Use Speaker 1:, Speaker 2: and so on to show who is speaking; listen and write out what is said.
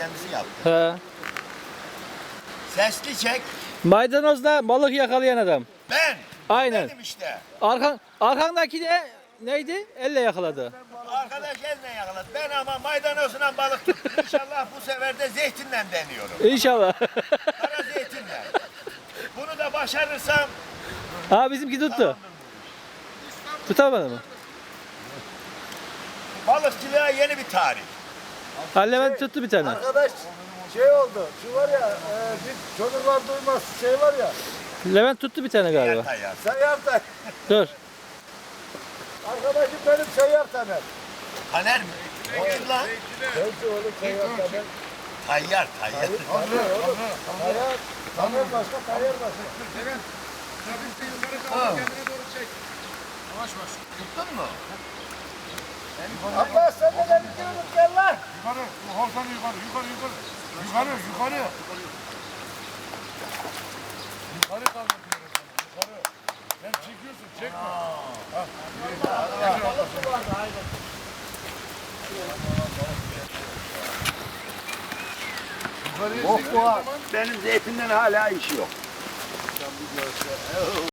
Speaker 1: kendisi yaptı.
Speaker 2: He.
Speaker 1: Sesli çek.
Speaker 2: Maydanozda balık yakalayan adam.
Speaker 1: Ben.
Speaker 2: Aynen.
Speaker 1: Benim işte.
Speaker 2: Arkandaki de neydi? Elle yakaladı.
Speaker 1: Arkadaş elle yakaladı. Ben ama maydanozla balık tuttum. İnşallah bu sefer de zeytinle deniyorum.
Speaker 2: İnşallah.
Speaker 1: Kara zeytinle. Bunu da başarırsam
Speaker 2: Ha bizimki tuttu. Tutamadı mı?
Speaker 1: balıkçılığa yeni bir tarih.
Speaker 2: Ha Levent tuttu bir tane.
Speaker 3: Arkadaş şey oldu. Şu var ya bir çocuklar duymaz şey var ya.
Speaker 2: Levent tuttu bir tane galiba.
Speaker 1: Tayyar.
Speaker 3: Seyyar Taner.
Speaker 2: Dur.
Speaker 3: Arkadaşım benim Seyyar Taner.
Speaker 1: Taner mi? Kim lan?
Speaker 3: Neyse oğlum Seyyar Taner.
Speaker 1: Tayyar.
Speaker 3: Taner oğlum. Taner başka, Tayyar başka.
Speaker 1: Tuttun mu?
Speaker 3: Allah sen de beni görüp gel lan.
Speaker 4: Yukarı, hortan yukarı, yukarı, yukarı. Yukarı, yukarı. Yukarı kaldır diyorum sana, yukarı. Sen çekiyorsun, çekme.
Speaker 1: Oh bu benim zeytinden hala işi yok.